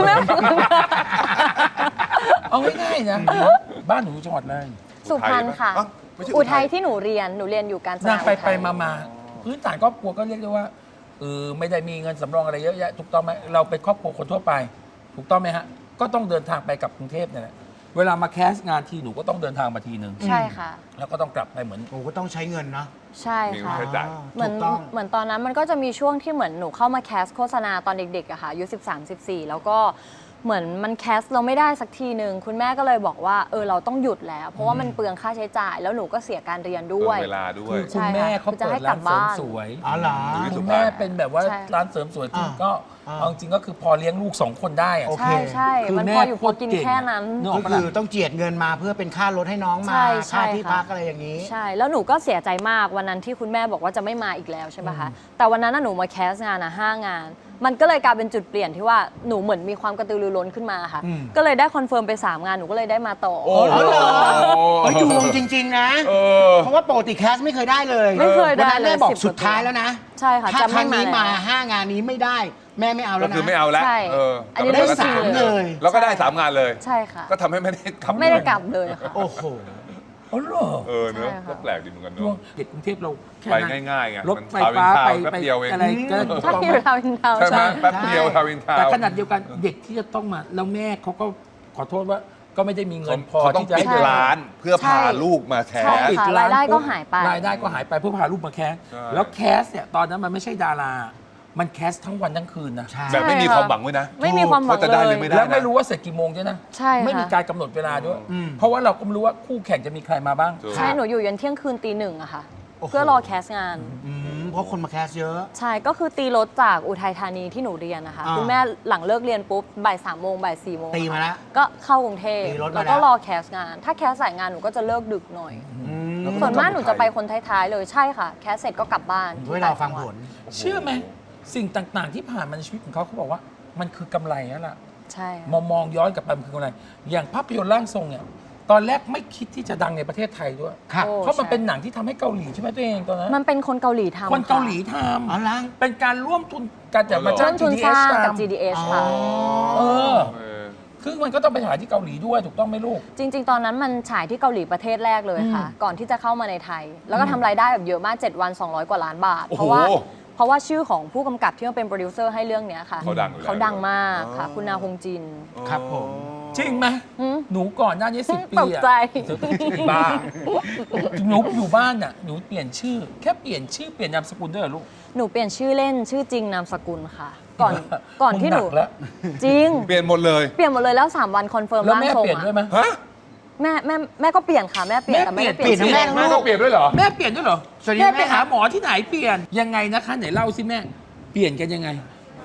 Speaker 1: เอาง่ายๆนะบ้านหนูจังหวัดอะไร
Speaker 2: สุพรรณค่ะ
Speaker 4: อ้าวไม่ใช่
Speaker 2: อุทัยที่หนูเรียนอยู่การ
Speaker 1: นางไปมาพื้นฐานครอบครัวก็เรียกได้ว่าไม่ได้มีเงินสำรองอะไรเยอะแยะถูกต้องไหมเราเป็นครอบครัวคนทั่วไป ถูกต้องไหมฮะก็ต้องเดินทางไปกับกรุงเทพเนี่ยแหละเวลามาแคสงานทีหนูก็ต้องเดินทางมาทีนึง
Speaker 2: ใช่ค่ะ
Speaker 1: แล้วก็ต้องกลับไปเหมือน
Speaker 3: โอ้ก็ต้องใช้เงินเนาะ
Speaker 2: ใช่
Speaker 4: มี
Speaker 2: ค่ะ
Speaker 4: ค่าใช้จ่าย
Speaker 2: เหมือน
Speaker 3: ถูกต้อง
Speaker 2: เหมือนตอนนั้นมันก็จะมีช่วงที่เหมือนหนูเข้ามาแคสโฆษณาตอนเด็กๆอะค่ะอายุ13-14 แล้วก็เหมือนมันแคสเราไม่ได้สักทีหนึ่งคุณแม่ก็เลยบอกว่าเราต้องหยุดแล้ว เพราะว่ามันเปลืองค่าใช้จ่าย แล้วหนูก็เสียการเรียนด้วย
Speaker 4: เวลาด้ว
Speaker 1: คื
Speaker 4: ย
Speaker 1: อคุณแม่เขา
Speaker 2: จะ
Speaker 1: เปิ
Speaker 2: ให้
Speaker 1: ด
Speaker 2: กลั
Speaker 1: ร้าน
Speaker 2: บ
Speaker 1: เสริม
Speaker 2: บ้าน
Speaker 1: สวย
Speaker 3: อ๋อเหรอ
Speaker 4: อยู่ที่สุ
Speaker 1: คุณ
Speaker 4: พรรณ
Speaker 1: แม่เป็นแบบว่า
Speaker 2: ใช่
Speaker 1: ร้านเสริมสวยคือก็
Speaker 3: อ่า
Speaker 1: เอาจริงก็คือพอเลี้ยงลูก2 คนได้อะ
Speaker 3: โอเค
Speaker 2: ใช่ใช่
Speaker 1: คือ
Speaker 2: มัน
Speaker 1: แม่
Speaker 2: พออยู่พอกิน
Speaker 1: โคตรเก่ง
Speaker 2: แค่นั้น
Speaker 1: นึกอ
Speaker 3: ก็
Speaker 1: อกปะ
Speaker 3: คือ
Speaker 1: ล่ะ
Speaker 3: ต้องเจียดเงินมาเพื่อเป็นค่ารถให้น้องมา
Speaker 2: ใช่ใช่
Speaker 3: ค่าที่
Speaker 2: ค่ะ
Speaker 3: พักอะไรอย่างนี้
Speaker 2: ใช่ แล้วหนูก็เสียใจมากวันนั้นที่คุณแม่บอกว่าจะไม่มาอีกแล้วใช่ไหมคะ แต่วันนั้นน่ะหนูมาแคสงาน5 งาน มันก็เลยกลายเป็นจุดเปลี่ยนที่ว่าหนูเหมือนมีความกระตือรือร้นขึ้นมาค่ะ
Speaker 3: อืม
Speaker 2: ก็เลยได้คอนเฟิร์มไป 3 งานหนูก็เลยได้มาต่อ
Speaker 4: โอ้
Speaker 3: อ๋อเหรอ
Speaker 4: โห
Speaker 3: เฮ้ยดวงจริง ๆ นะ
Speaker 4: เออ
Speaker 3: เพราะว่าปกติแคสไม่เคยได้เลย
Speaker 2: ไม่เคยได้
Speaker 3: วันนั้น
Speaker 2: เลย
Speaker 3: แม่บอก
Speaker 2: 10
Speaker 3: สุดท้ายแล้วนะ
Speaker 2: ใช่ค่ะ
Speaker 3: ถ้า
Speaker 2: จะ
Speaker 3: ค
Speaker 2: ไม่
Speaker 3: รั้งนี้มา
Speaker 2: แล้ว
Speaker 3: 5 งานนี้ไม่ได้ แม่ไม่เอาแล้
Speaker 4: ก็
Speaker 3: วนะ
Speaker 4: คือไม่เอาแล้ว
Speaker 2: ใช่
Speaker 4: เออ
Speaker 2: อันนี้
Speaker 3: ได้
Speaker 2: เรื่องจริง
Speaker 3: 3 เลย
Speaker 4: แล้วก็ได้ 3 งานเลย
Speaker 2: ใช่ค่ะ
Speaker 4: ก็ทำให้ไม่ได้กลับ
Speaker 2: ไม่ได้กลับเลยค่ะ
Speaker 3: โอ้โห
Speaker 1: อ๋อเหรอ
Speaker 4: เออเนอะ
Speaker 2: ใช่ค่ะ
Speaker 4: ก็แปลกดีเหมือนกัน
Speaker 1: ช่วง
Speaker 4: เนาะ
Speaker 1: เด็กกรุงเทพเราแค่
Speaker 4: ไป
Speaker 1: นั้น
Speaker 4: ง่ายๆไง
Speaker 1: รถ
Speaker 4: มัน
Speaker 1: ไฟฟ้า
Speaker 4: ท
Speaker 1: ไป
Speaker 4: วน์ทวน์แป๊บ
Speaker 1: ไป
Speaker 4: เดียวเอง
Speaker 1: อะไรก็
Speaker 2: ถ้าอยู่ทาวน์อินทาวน์
Speaker 4: ใช่ไหม
Speaker 2: ใช่
Speaker 4: แป๊บเดียวทาวินทาว
Speaker 1: แต่
Speaker 4: น์
Speaker 1: ขนาดเดียวกันเด็กที่จะต้องมาแล้วแม่เขาก็ขอโทษว่าก็ไม่ได้มีเงินพอ
Speaker 4: เขาต้อง
Speaker 1: ที่จะ
Speaker 4: ปิด
Speaker 1: ให้
Speaker 4: ร้านเพื่อพา
Speaker 2: ใช่
Speaker 4: ลูกมาแค
Speaker 2: ใช่
Speaker 4: ส
Speaker 1: ปิด
Speaker 2: ค่ะ
Speaker 1: ร้น
Speaker 2: รายได้ก็
Speaker 1: ปุ๊บ
Speaker 2: หายไป
Speaker 1: รายได้ก็หายไปเพื่อพาลูกมาแคส
Speaker 4: ใช่
Speaker 1: แล้วแคสเนี่ยตอนนั้นมันไม่ใช่ดารา มันแคสทั้งวันทั้งคืนนะ
Speaker 3: ใช่
Speaker 4: แบบไม่มีความหวังด้วยนะ
Speaker 2: ไม่มีความหวัง
Speaker 4: ว่าจะได้ห
Speaker 2: เล
Speaker 4: รื
Speaker 2: ย
Speaker 4: อไม่ได้
Speaker 1: แล้วไม่รู้ว่าเสร็จกี่โมงด้วยนะ
Speaker 2: ใช่ค่ะ
Speaker 1: ไม่มีการกำหนดเวลาด้วย
Speaker 3: อืม
Speaker 1: เพราะว่าเราก็ไม่รู้ว่าคู่แข่งจะมีใครมาบ้าง
Speaker 4: ถูก
Speaker 2: ใช่ หนูอยู่ยันเที่ยงคืนตี 1อะค่ะ
Speaker 3: โอ้โห
Speaker 2: เพื่อรอแคสงาน
Speaker 3: เพราะคนมาแคสเยอะ
Speaker 2: ใช่ ก็คือตีรถจากอุทัยธานีที่หนูเรียนนะคะ
Speaker 3: อ่า
Speaker 2: คุณแม่หลังเลิกเรียนปุ๊บบ่าย3 โมงบ่าย4 โมง
Speaker 3: ตีมาแล้ว
Speaker 2: ก็เข้ากรุงเทพ
Speaker 3: ตีรถมา
Speaker 2: แล้ว
Speaker 3: แล้ว
Speaker 2: ก็รอแคสงาน ถ้าแคสสายงานหนูก็จะเลิกดึกหน่อย
Speaker 1: แล้วก็
Speaker 2: ส่วนมากหนูจะไปคนท้ายๆเลย ใช่ค่ะ แคสเสร็จก็กลับบ้าน
Speaker 3: ไว้รอฟังผล
Speaker 1: เชื่อไหมสิ่งต่างๆ ที่ผ่านมาในชีวิตของเขาเขาบอกว่ามันคือกำไรแล้วล่ะ
Speaker 2: ใช่
Speaker 1: มองย้อนกลับไปมันคือกำไรอย่างภาพยนตร์ร่างทรงเนี่ยตอนแรกไม่คิดที่จะดังในประเทศไทยด้วย
Speaker 3: ครับ
Speaker 2: โอ้
Speaker 1: เพราะมัน
Speaker 2: ใช่
Speaker 1: เป็นหนังที่ทำให้เกาหลีใช่ไหมตัวเองตอนนั้น
Speaker 2: มันเป็นคนเกาหลีทำ
Speaker 1: คนเกาหลี
Speaker 2: ค่ะ
Speaker 1: ท
Speaker 3: อ๋อล้าง
Speaker 1: ำเป็นการร่วมทุนกันแต่มา
Speaker 2: ร่
Speaker 1: จ้าว ง
Speaker 2: มทุนส
Speaker 1: GDS
Speaker 2: ร้างกับ
Speaker 1: ทำ
Speaker 2: GDS
Speaker 3: อ๋อ
Speaker 2: ค่ะ
Speaker 1: เออ
Speaker 4: เออ
Speaker 1: คือมันก็ต้องไปถ่ายที่เกาหลีด้วยถูกต้องไหมลูก
Speaker 2: จริง ๆ ตอนนั้นมันฉายที่เกาหลีประเทศแรกเลยค่ะ ก่อนที่จะเข้ามาในไทย แล้วก็ทำรายได้แบบเยอะมาก 7 วัน 200 กว่าล้านบาท
Speaker 4: โอ้
Speaker 2: เพ
Speaker 4: โห
Speaker 2: ราะว่าชื่อของผู้กำกับที่มาเป็นโปรดิวเซอร์ให้เรื่องเนี้ยค่ะ
Speaker 4: เขาดังอยู่แล้ว
Speaker 2: เขาดังมากค่ะ
Speaker 4: อ๋อ
Speaker 2: คุณนาฮงจิน
Speaker 3: ครับผม
Speaker 1: จริงไหม
Speaker 2: หืม
Speaker 1: หนูก่อนหน้านี้10 ปี
Speaker 2: ตกใจ
Speaker 1: บ้าหนูอยู่บ้านน่ะหนูเปลี่ยนชื่อ แค่เปลี่ยนชื่อเปลี่ยนนามสกุลด้วยเหรอลูก
Speaker 2: หนูเปลี่ยนชื่อเล่นชื่อจริงนามสกุลค่ะ ก่อนที่หนู
Speaker 1: มึงกแล้ว
Speaker 2: จริง
Speaker 4: เปลี่ยนหมดเลย
Speaker 2: เปลี่ยนหมดเลยแล้ว 3 วันคอนเฟิร์ม
Speaker 1: แล้ว
Speaker 2: ร่าง
Speaker 1: แม่
Speaker 2: ทรง
Speaker 1: เปลี่ยนด้วยไหม
Speaker 4: ฮะ
Speaker 2: แม่ก็เปลี่ยนค่ะแม่เปลี่ยนแต่ไม่ได้
Speaker 1: เปลี่ยน
Speaker 2: ชื่อ
Speaker 3: เปลี่ยนทั้งแม่
Speaker 4: แม่ต้องเปลี่ยนด้วยเหรอ
Speaker 1: แม่เปลี่ยนด้วยเหรอ
Speaker 3: สวัสดี
Speaker 1: แม่
Speaker 3: แม่
Speaker 1: ไป
Speaker 3: ค
Speaker 1: หา
Speaker 3: รับ
Speaker 1: หมอที่ไหนเปลี่ยนยังไงนะคะไหนเล่าสิแม่ เปลี่ยนกันยังไง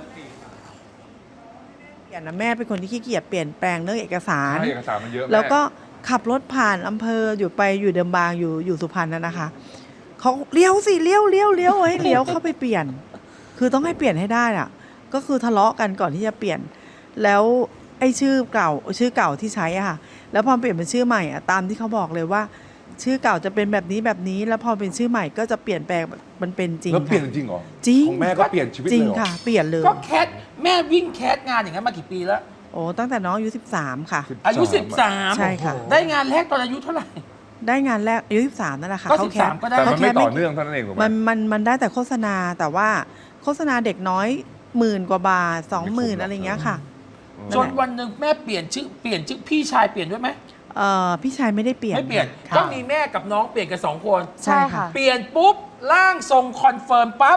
Speaker 5: เปลี่ยนนะแม่เป็นคนที่ขี้เกียจเปลี่ยนแปลงเรื่องเอกสาร
Speaker 4: ใช่เอกสารมันเยอะ
Speaker 5: แล้วก็
Speaker 4: ม่
Speaker 5: ขับรถผ่านอำเภออยู่เดิมบางอยู่สุพรรณนั่นนะคะเขาเลี้ยวสิเลี้ยวให้เลี้ยวเข้าไปเปลี่ยน คือต้องให้เปลี่ยนให้ได้อ่ะ ก็คือทะเลาะกันก่อนที่จะเปลี่ยน แล้วไอ้ชื่อเก่าที่ใช้อ่ะค่ะแล้วพอเปลี่ยนเป็นชื่อใหม่อ่ะตามที่เขาบอกเลยว่า ชื่อเก่าจะเป็นแบบนี้แล้วพอเป็นชื่อใหม่ก็จะเปลี่ยนแปลงมันเป็นจริง
Speaker 4: แล้วเปลี่ยน
Speaker 5: ค่ะ
Speaker 4: จริงเหรอ
Speaker 5: จริง
Speaker 4: ของแม่ก็เปลี่ยนชีวิต
Speaker 5: จริง
Speaker 4: เลยเหรอ
Speaker 5: ค่ะ เปลี่ยนเลย
Speaker 1: ก็แคสแม่วิ่งแคสงานอย่างนั้นมากี่ปีแล้ว
Speaker 5: โอ้ตั้งแต่น้องอายุ13ค่ะ
Speaker 1: อายุ
Speaker 5: ใช่ค่ะ
Speaker 1: 13 ได้งานแรกตอนอายุเท่าไหร่
Speaker 5: ได้งานแรกอายุ13นั่นแหละค่ะ
Speaker 1: ก็
Speaker 5: เขาแคส
Speaker 1: 13ก็ได้
Speaker 4: แต่มันไม่
Speaker 5: เขาแค่
Speaker 4: ต่อเนื่องเท่านั้นเองถูกไหม
Speaker 5: มันได้แต่โฆษณาแต่ว่าโฆษณาเด็กน้อย10,000 กว่าบาท 20,000 อะไรอย่างเงี้ยค่ะ
Speaker 1: จนวันหนึ่งแม่เปลี่ยนชื่อพี่ชายเปลี่ยนด้วยไหม
Speaker 5: พี่ชายไม่ได้เปลี่ยน
Speaker 1: ไม่เปลี่ยน
Speaker 5: ค่ะ
Speaker 1: ก็มีแม่กับน้องเปลี่ยนกัน2 คน
Speaker 2: ใช่ค่ะ
Speaker 1: เปลี่ยนปุ๊บร่างทรงคอนเฟิร์มปั๊บ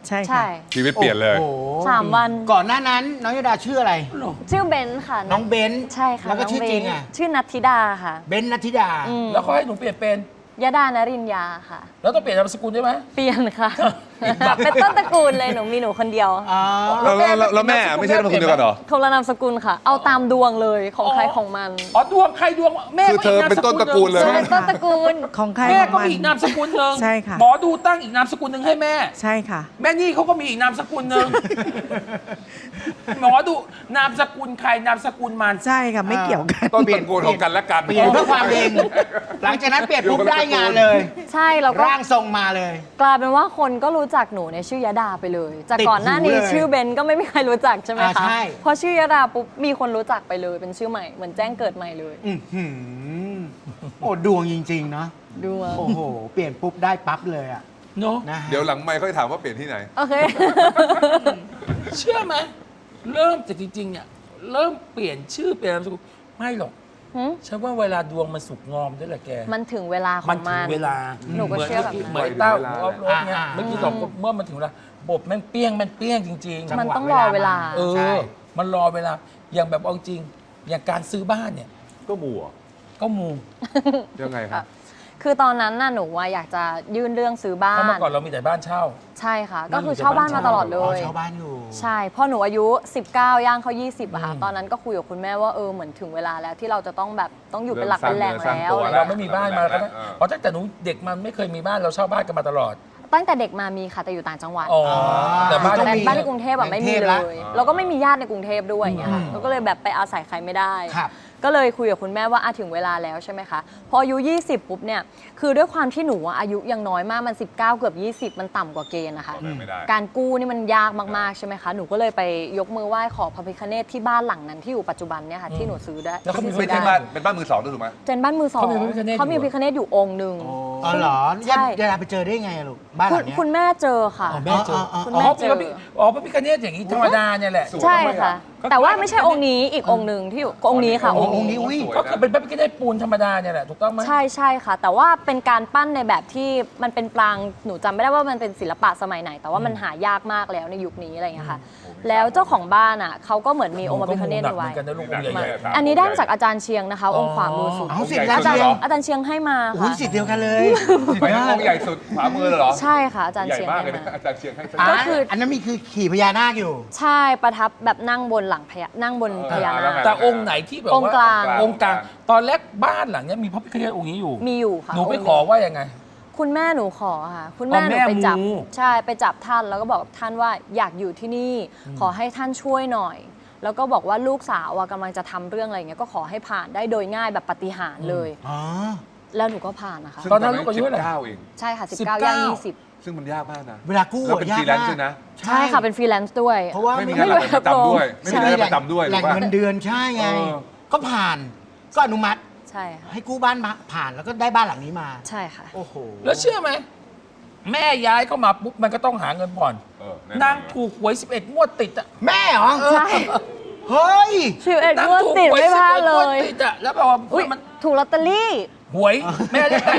Speaker 5: ใช่
Speaker 2: ใช่
Speaker 5: ค่ะ
Speaker 4: ชีวิตเปลี่ยนเลย
Speaker 3: โอ้โห
Speaker 2: 3 วัน
Speaker 3: ก่อนหน้านั้นน้องยดาชื่ออะไร
Speaker 2: ชื่อเบนซ์ค่ะ
Speaker 3: น้องเบนซ์
Speaker 2: ใช่ค่ะ
Speaker 3: แล้วก็
Speaker 2: น้
Speaker 3: ชื่อ
Speaker 2: เบนซ์
Speaker 3: จริงอ่ะ
Speaker 2: ชื่อนัทธิดาค่ะ
Speaker 3: เบนซ์นัทธิดา
Speaker 2: อืม
Speaker 1: แล้วเขาให้หนูเปลี่ยนเป็น
Speaker 2: ยดานรินยาค่ะ
Speaker 1: แล้วต้องเปลี่ยนนามสกุลด้วยไหม
Speaker 2: เปลี่ยนค่ะ เป็นต้นตระกูลเลยมีหนูคนเดียว
Speaker 3: อ๋อ
Speaker 4: แล้วแม่ไม่ใช่นามสกุลเดียวกันเหรอ
Speaker 2: คนละนามสกุลค่ะ เอาตามดวงเลยของใครของมัน
Speaker 1: อ๋อดวงใครดวงแม่
Speaker 4: คือเธอเป็นต้นตระกูลเลย
Speaker 2: ใช่ต้นตระกูล
Speaker 5: ของใคร
Speaker 1: แม่
Speaker 5: ของ
Speaker 1: ก็
Speaker 5: มัน
Speaker 1: มีอีกนามสกุลหนึ่ง
Speaker 5: ใช่ค่ะ
Speaker 1: หมอดูตั้งอีกนามสกุลหนึ่งให้แม่
Speaker 5: ใช่ค่ะ
Speaker 1: แม่นี่เขาก็มีอีกนามสกุลหนึ่งหมอดูนามสกุลใครนามสกุลมัน
Speaker 5: ใช่ค่ะ ไม่เกี่ยวกัน
Speaker 4: ต้นตระกูลของกันและกัน
Speaker 3: เปลี่ยนเพื่อความเองหลังจากนั้นเปลี่ยนปุ๊บได้งานเลย
Speaker 2: ใช่แล้วก็
Speaker 3: ร่างทรงมาเลย
Speaker 2: กลายเป็นว่าคนก็รู้จักหนูในชื่อยดาไปเลย จาก
Speaker 3: ติด
Speaker 2: ก่อนหน้านี้
Speaker 3: หูเลย
Speaker 2: ชื่อเบนก็ไม่มีใครรู้จักใช่ไหม
Speaker 3: อ่า
Speaker 2: คะ
Speaker 3: ใช่
Speaker 2: พอชื่อยดาปุ๊บมีคนรู้จักไปเลยเป็นชื่อใหม่เหมือนแจ้งเกิดใหม่เลย
Speaker 3: อื้อหือโอ้ดวงจริง ๆ เนาะ
Speaker 2: ดูว่า
Speaker 3: โอ้โห เปลี่ยนปุ๊บได้ปั๊บเลยอ่ะ
Speaker 1: เนาะ
Speaker 3: นะฮะ
Speaker 4: เดี๋ยวหลังไม่ค่อยถามว่าเปลี่ยนที่ไหน
Speaker 2: โอเค
Speaker 1: เชื่อไหมเริ่มจากจริงๆเนี่ยเริ่มเปลี่ยนชื่อเปลี่ยนนามสกุลไม่หรอก
Speaker 2: หืม
Speaker 1: ฉันว่าเวลาดวงมันสุกงอมด้วยแหละแก
Speaker 2: มันถึงเวลาข
Speaker 1: มั
Speaker 2: อน ง
Speaker 1: ถึ
Speaker 2: มั
Speaker 1: ง
Speaker 2: น
Speaker 1: เวลา
Speaker 2: หนูก็เชื่อแบบนั้น
Speaker 1: เหมือนไอ้เต้า
Speaker 4: ถึง
Speaker 1: ออฟโรดเนี่ย
Speaker 3: อ่า
Speaker 1: เมื่อกี้สองคนเมื่อมันถึงเวลาบบแม่งเปี้ยงมันเปี้ยงจริง
Speaker 3: จังหวะ
Speaker 2: มันต้องรอเวลา
Speaker 1: เอ
Speaker 3: ใช่
Speaker 1: อ มันรอเวลา อย่างแบบเอาจริง อย่างการซื้อบ้านเนี่ย
Speaker 4: ก็มัว
Speaker 1: ก็มู
Speaker 4: ยังไงครับ
Speaker 2: คือตอนนั้นน่ะหนูว่าอยากจะยื่นเรื่องซื้อบ้า
Speaker 1: เพราะ
Speaker 2: น
Speaker 1: เมื่อก่อนเรามีแต่บ้านเช่า
Speaker 2: ใช่ค่ะ
Speaker 1: นั่
Speaker 2: ก็
Speaker 1: น
Speaker 2: คือ
Speaker 1: อยู่
Speaker 2: เช่าบ้าน
Speaker 1: แต่
Speaker 2: มา
Speaker 1: บ้าน
Speaker 2: ตลอดเล
Speaker 3: อ๋อย เช่าบ้านอยู่
Speaker 2: ใช่พอหนูอายุ 19 ย่างเขา 20อะค่ะ ตอนนั้นก็คุยกับคุณแม่ว่าเหมือนถึงเวลาแล้วที่เราจะต้องแบบต้องอยู่เป็นหลักเป็นแหล่ง
Speaker 4: เริ่มสร้าง
Speaker 2: แล้ว
Speaker 4: ตัว
Speaker 2: อะไร
Speaker 1: เรา
Speaker 2: เงี้ย
Speaker 1: ไม่มีบ้านมาแล้วก็
Speaker 4: เออ
Speaker 1: เพราะตั้งแต่หนูเด็กมันไม่เคยมีบ้านเราเช่าบ้านกันมาตลอด
Speaker 2: ตั้งแต่เด็กมามีค่ะแต่อยู่ต่างจังหวัด
Speaker 1: อ๋อ แต่บ้าน
Speaker 3: ต้
Speaker 2: แต่
Speaker 3: องมี
Speaker 2: บ้านในกรุงเทพอะไม่มีเล
Speaker 3: ในกรุงเทพละ
Speaker 2: ยแล้วก็ไม่มีญาติในกรุงเทพด้วยอย่างเงี้ยค่ะแล้วก็เลยแบบไปอาศัยใครไม่ได้
Speaker 3: ครับ
Speaker 2: ก็เลยคุยกับคุณแม่ว่าถึงเวลาแล้วใช่ไหมคะพออายุ 20 ปุ๊บเนี่ยคือด้วยความที่หนูอายุยังน้อยมากมัน 19 เกือบ 20 มันต่ำกว่าเกณฑ์นะคะ
Speaker 4: ไม่ได้
Speaker 2: การกู้นี่มันยากมากๆใช่ไหมคะหนูก็เลยไปยกมือไหว้ขอพระพิฆเนศที่บ้านหลังนั้นที่อยู่ปัจจุบันเนี่ยค่ะที่หนูซื้อได้
Speaker 1: แล้วเขามี
Speaker 2: ที่
Speaker 4: ไม่
Speaker 2: ซื้อ
Speaker 4: ใช่
Speaker 2: ได้
Speaker 4: บ้านเป็นบ้านมือสองด้วยถูกไหม
Speaker 2: เจนบ้านมือสอง
Speaker 1: เขามีพระพิฆเนศอยู่
Speaker 2: เขามีพระพิฆเนศอยู่องค์หนึ่ง
Speaker 3: อ๋อเหรอ
Speaker 2: ใช่
Speaker 3: ยดาไปเจอได้ไงอะลูก บ้านหลังเนี้ย
Speaker 2: คุณแม่เจอค่ะ
Speaker 1: อ๋อแม่เจอ
Speaker 2: คุณ
Speaker 1: อ๋อ
Speaker 2: แม่เจอ
Speaker 1: พระพิฆเนศอย่างนี้ธรรมดาเนี่ยแหละ
Speaker 4: สวย
Speaker 2: ใช่ค่ะ
Speaker 1: ก็
Speaker 2: แต่ว่าไม่ใช่องค์นี้อีกองค์หนึ่งที่อยู่องค์นี้ค่ะองค์
Speaker 3: องค์นี้
Speaker 2: นี้
Speaker 3: อุ๊ย
Speaker 1: ก็คือเป็นพระพิฆเนศปูนธรรมดาเนี่ยแหละถูกต้องไหม
Speaker 2: ใช่ใช่ค่ะ แต่ว่าเป็นการปั้นในแบบที่มันเป็นปรางหนูจำไม่ได้ว่ามันเป็นศิลปะสมัยไหน แต่ว่ามันหายากมากแล้วในยุคนี้อะไรอย่างเงี้ยค่ะ แล้วเจ้าของบ้านอ่ะเขาก็เหมือนมีองค์พระพิฆเนศเอาไว้
Speaker 1: หมือนกันนะลูกองค์ใหญ่
Speaker 2: มา
Speaker 1: ๆ
Speaker 2: อันนี้ได้มาจากอาจารย์เชียงนะคะ องค์ขวามือสุด
Speaker 3: เอาสิ
Speaker 4: องค์ใหญ่
Speaker 2: อาจารย์
Speaker 4: สุดเหรอ
Speaker 2: อาจารย์เชียงให้มา
Speaker 3: โอ้ย
Speaker 2: ค่ะ
Speaker 3: สิทธิ์เดียวกันเลย
Speaker 4: ไปทางองค์ใหญ่สุดขวามือเลยเหรอ
Speaker 2: ใช่ค่ะอาจารย์
Speaker 4: ใหญ่
Speaker 2: เชียง
Speaker 4: มาก
Speaker 2: ให้
Speaker 4: เลยนะ
Speaker 2: มา
Speaker 4: อาจารย์เชียงให้
Speaker 3: อ่า
Speaker 2: ก็คือ
Speaker 3: อันนั้นมีคือขี่พญานาคอยู่
Speaker 2: ใช่ประทับแบบนั่งบนหลังนั่งบนพญา
Speaker 4: แล้
Speaker 2: นาว ค
Speaker 4: ไง
Speaker 1: แต่องค์ไหนที่แบบ
Speaker 2: องค์
Speaker 1: ว่าก
Speaker 2: ลาง
Speaker 1: องค์กลางตอนแรกบ้านหลังเนี้ยมีพระพิฆเนศองค์นี้อยู่
Speaker 2: มีอยู่ค่ะ
Speaker 1: หนูไป
Speaker 2: งค์
Speaker 1: ขอว่ายังไง
Speaker 2: คุณแม่หนูขอค่ะ คุณแม่
Speaker 1: อ๋อ
Speaker 2: หนู
Speaker 1: แม่
Speaker 2: ไปจับ
Speaker 1: มู
Speaker 2: ใช่ไปจับท่านแล้วก็บอกกับท่านว่าอยากอยู่ที่นี่ ขอให้ท่านช่วยหน่อย แล้วก็บอกว่าลูกสาวอะกำลังจะทำเรื่องอะไรอย่างเงี้ยก็ขอให้ผ่านได้โดยง่ายแบบปาฏิหาริย์เลย
Speaker 3: อ๋อ
Speaker 2: แล้วหนูก็ผ่านนะคะ
Speaker 4: ซึ่ง
Speaker 1: ตอนนั้นลูกอายุเท่าไหร่
Speaker 4: 19เอง
Speaker 2: ใช่ค่ะ
Speaker 1: 19
Speaker 2: 19ย่าง20
Speaker 4: ซึ่งมันยากมากนะ
Speaker 3: เวลากู้
Speaker 4: แล้วเป็น
Speaker 3: ยาก
Speaker 4: ฟรีแลนซ์
Speaker 3: มาก
Speaker 4: ด้วยนะ
Speaker 2: ใช่ค่ะเป็นฟรีแลนซ์ด้วย
Speaker 3: เพราะว่า
Speaker 4: ไม่มี
Speaker 3: ไม่
Speaker 4: งานประจำด้วย ไม่มีงานประจำด้วย
Speaker 3: แหล่ง
Speaker 4: ถูกปะ
Speaker 3: เงินเดือนใช่ไง
Speaker 4: เออ
Speaker 3: ก็ผ่าน ก็อนุมัติ
Speaker 2: ใช่ค่ะ
Speaker 3: ให้กู้บ้านมาผ่านแล้วก็ได้บ้านหลังนี้มา
Speaker 2: ใช่ค่ะ
Speaker 3: โอ้โห
Speaker 1: แล้วเชื่อไหมแม่ย้ายเข้ามาปุ๊บมันก็ต้องหาเงินผ่อน
Speaker 4: เออแน่นอน
Speaker 1: นางถูกหวย11งวดติดอะ
Speaker 3: แม่เหรอ
Speaker 2: ใช่
Speaker 3: เฮ้ย
Speaker 2: 11
Speaker 1: นาง
Speaker 2: งวด
Speaker 1: ถูก
Speaker 2: ติด
Speaker 1: หวย
Speaker 2: ไม่พลาด
Speaker 1: 11
Speaker 2: เล
Speaker 1: งวด
Speaker 2: ย
Speaker 1: ติดอะแล้วแบบว่า
Speaker 2: อุ๊ย
Speaker 1: มัน
Speaker 2: ถูกลอตเตอรี่
Speaker 1: หวยแม่เรียก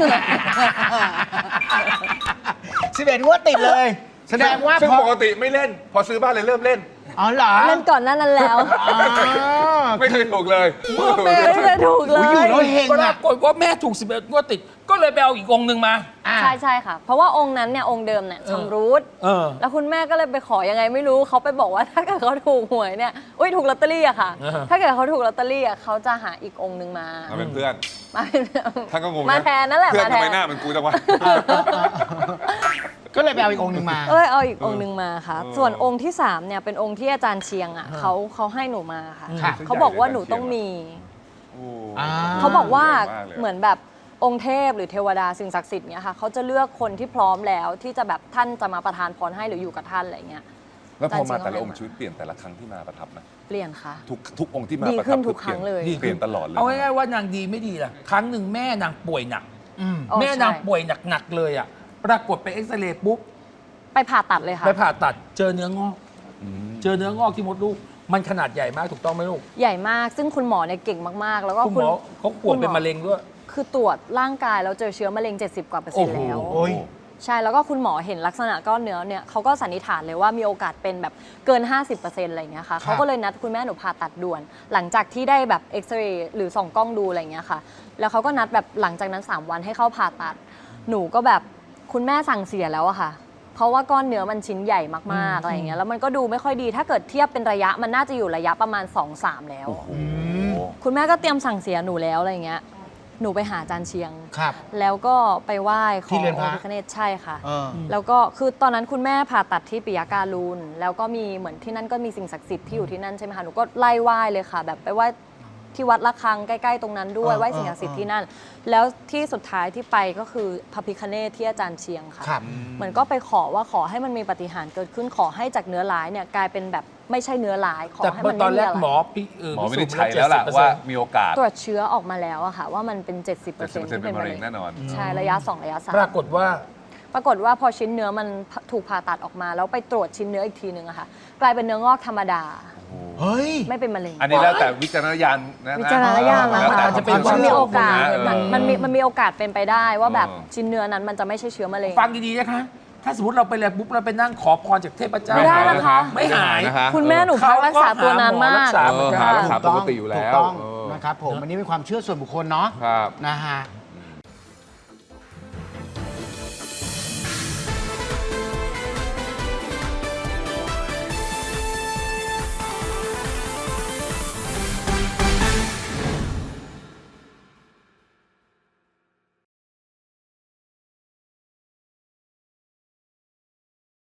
Speaker 3: 11งวดติดเลย แสดงว่า
Speaker 4: ซึ่ง
Speaker 3: พอ
Speaker 4: ปกติไม่เล่น พอซื้อบ้านเลยเริ่มเล่น
Speaker 3: อ๋อเหรอ
Speaker 2: เล่นก่อนหนั้นแล้ว
Speaker 3: อ๋อ
Speaker 4: ไม่เคยถูกเลย
Speaker 1: แม่
Speaker 2: ไม่เคยถูกเล
Speaker 3: อุ๊ยอยู่
Speaker 2: ย
Speaker 3: แล้วเฮง
Speaker 1: ปรา
Speaker 3: อ่ะ
Speaker 1: กฏว่าแม่ถูก11งวดติด ก็เลยไปเอาอีกองค์หนึ่งมา
Speaker 3: อ่ะ
Speaker 2: ใช่ใช่ค่ะ เพราะว่าองค์นั้นเนี่ยองค์เดิมเนี่ยชำรุด
Speaker 1: เออ
Speaker 2: แล้วคุณแม่ก็เลยไปขอยังไงไม่รู้เขาไปบอกว่าถ้าเกิดเขาถูกหวยเนี่ยอุ้ยถูกลอตเตอรี่อะค่ะ
Speaker 1: อ่าฮะ
Speaker 2: ถ้าเกิดเขาถูกลอตเตอรี่อะเขาจะหาอีกองค์หนึ่งมา
Speaker 4: มาเป็นเพื่อน
Speaker 2: มาเป็น
Speaker 4: ท่านก็งงนะ
Speaker 2: มาแทนนั่นแหละ
Speaker 4: เพื่อน
Speaker 2: มาแท
Speaker 4: ทำไม
Speaker 2: น
Speaker 4: หน้าเหมันกูจังวะ
Speaker 3: ก็เลยไปเอาอีกองค์หนึ่งมา
Speaker 2: เอาอีกองค์หนึ่งมาค่ะ
Speaker 4: เออ
Speaker 2: ส่วนองค์ที่3เนี่ยเป็นองค์ที่อาจารย์เชียงอะเขาให้หนูมาค่ะ
Speaker 3: ค่ะ
Speaker 2: เขาบอกว่าหนูต้องมี
Speaker 4: โอ้
Speaker 3: อ่า
Speaker 2: เขาบอกว่า
Speaker 4: ใญ่มลย
Speaker 2: เหมือนแบบองค์เทพหรือเทวดาสิ่งศักดิ์สิทธิ์เนี่ยค่ะเขาจะเลือกคนที่พร้อมแล้วที่จะแบบท่านจะมาประทานพรให้หรืออยู่กับท่านอะไรเงี้ย
Speaker 4: แล้วพอมา
Speaker 2: อาจารย์
Speaker 4: แต่ละองค์
Speaker 2: เชี
Speaker 4: ชี
Speaker 2: ยง
Speaker 4: วิตเปลี่ยนแต่ละครั้งที่มาประทับนะ
Speaker 2: เปลี่ยนค่ะ
Speaker 4: ทุกองค์ที่มา
Speaker 2: ดี
Speaker 4: ประ
Speaker 2: ขึ้
Speaker 4: ทับ
Speaker 2: นทุกครั้งเลย
Speaker 4: เปลี่ยนตลอดเลย
Speaker 1: เอาง่ายๆว่านางดีไม่ดีล่ะ ครั้งหนึ่งแม่นางป่วยหนัก
Speaker 3: อืม
Speaker 2: อ๋อ
Speaker 1: แม่นาง
Speaker 2: ใช่
Speaker 1: ป่วยหนักๆเลยอ่ะ ปรากฏไปเอ็กซเรย์ปุ๊บ
Speaker 2: ไปผ่าตัดเลยค่ะ
Speaker 1: ไปผ่าตัดเจอเนื้องอก
Speaker 4: อืม
Speaker 1: เจอเนื้องอกที่มดลูก มันขนาดใหญ่มากถูกต้องไหมลูก
Speaker 2: ใหญ่มากซึ่งคุณหมอเนี่ยเก่งมากๆ แล้วก็
Speaker 1: คุณหมอเขาป่วยเป็นมะเร็งด้วย
Speaker 2: คือตรวจร่างกายแล้วเจอเชื้อมะเร็ง 70 กว่าเปอร์เซ็นต์แล้ว
Speaker 3: โอ้ย
Speaker 2: ใช่แล้วก็คุณหมอเห็นลักษณะก้อนเนื้อเนี่ยเขาก็สันนิษฐานเลยว่ามีโอกาสเป็นแบบเกิน 50%อะไรอย่างเงี้ยค่ะเขาก็เลยนัดคุณแม่หนูผ่าตัดด่วน หลังจากที่ได้แบบเอ็กซเรย์หรือส่องกล้องดูอะไรอย่างเงี้ยค่ะแล้วเขาก็นัดแบบหลังจากนั้น3 วันให้เข้าผ่าตัดหนูก็แบบคุณแม่สั่งเสียแล้วอะค่ะเพราะว่าก้อนเนื้อมันชิ้นใหญ่มากๆอะไรอย่างเงี้ยแล้วมันก็ดูไม่ค่อยดีถ้าเกิดเทียบเป็นระยะมันน่าจะอยู่ระยะประมาณ 2-3 แล้ว คุณแม่ก็เตรียมสั่งเสียหนูแล้วอะไรอย่างเงี้ยหนูไปหาอาจารย์เชียง
Speaker 3: ครับ
Speaker 2: แล้วก็ไปไหว้ข
Speaker 3: ที่
Speaker 2: อ
Speaker 3: เรือนพระ
Speaker 2: พระพิฆเนศใช่ค่ะ
Speaker 3: เออ
Speaker 2: แล้วก็คือตอนนั้นคุณแม่ผ่าตัดที่ปิยการูนแล้วก็มีเหมือนที่นั่นก็มีสิ่งศักดิ์สิทธิ์ที่อยู่ที่นั่นใช่ไหมคะหนูก็ไล่ไหว้เลยค่ะ แบบไปไหว้ที่วัดระฆังใกล้ๆตรงนั้นด้วยไหว้สิ่งศักดิ์สิทธิ์ที่นั่น แล้วที่สุดท้ายที่ไปก็คือพระพิฆเนศที่อาจารย์เชียงค่ะ
Speaker 3: ครับ
Speaker 2: เหมือนก็ไปขอว่าขอให้มันมีปาฏิหาริย์เกิดขึ้นขอให้จากเนื้อร้ายเนี่ยกลายเป็นแบบไม่ใช่เนื้อร้ายขอ
Speaker 1: แต่
Speaker 2: ให้มัน
Speaker 1: ตอน
Speaker 2: ไม่
Speaker 1: แร
Speaker 2: มี
Speaker 1: ก
Speaker 2: อะไร
Speaker 1: หมอ
Speaker 4: หมอวินิจฉัยแล้วล่ะว่ามีโอกาส
Speaker 2: ตรวจเชื้อออกมาแล้วอะค่ะว่ามันเป็น 70%
Speaker 4: 70%เป็นมะเร็งแน่นอน
Speaker 2: ใช่ระยะ 2 ระยะ
Speaker 1: ปรากฏว่า
Speaker 2: 3 ปรากฏว่าพอชิ้นเนื้อมันถูกผ่าตัดออกมาแล้วไปตรวจชิ้นเนื้ออีกทีนึงอะค่ะกลายเป็นเนื้องอกธรรมดา
Speaker 3: เฮ้ย
Speaker 2: ไม่เป็นมะเร็ง
Speaker 4: อันนี้แล้วแต่วิจารณญาณนะ
Speaker 2: วิจารณญาณ
Speaker 4: แล้
Speaker 2: นะ
Speaker 4: วแต่
Speaker 2: คะ
Speaker 1: อาจจะเป็น
Speaker 2: มันมีโอกาส
Speaker 4: เออ
Speaker 2: มันมีโอกาสเป็นไปได้ว่าแบบ
Speaker 4: เออ
Speaker 2: ชิ้นเนื้อนั้นมันจะไม่ใช่เชื้อมะเร็ง
Speaker 1: ฟังดีๆนะคะ ถ้าสมมติเราไปแล้วปุ๊บเราไปนั่งขอพรจากเทพเจ้า
Speaker 2: ไม่ได้นะคะ
Speaker 1: ไม่หาย
Speaker 4: นะคะ
Speaker 2: คุณแม่หนูพักรักษาตัวนานมาก
Speaker 1: เขาก็หาหมอรักษา
Speaker 4: เออหารักษาปกติอยู่แล้ว
Speaker 3: ถูกต้อง
Speaker 4: เออ
Speaker 3: นะครับผมอันนี้เป็นความเชื่อส่วนบุคคลเนาะ
Speaker 4: ครับ
Speaker 3: นะฮะ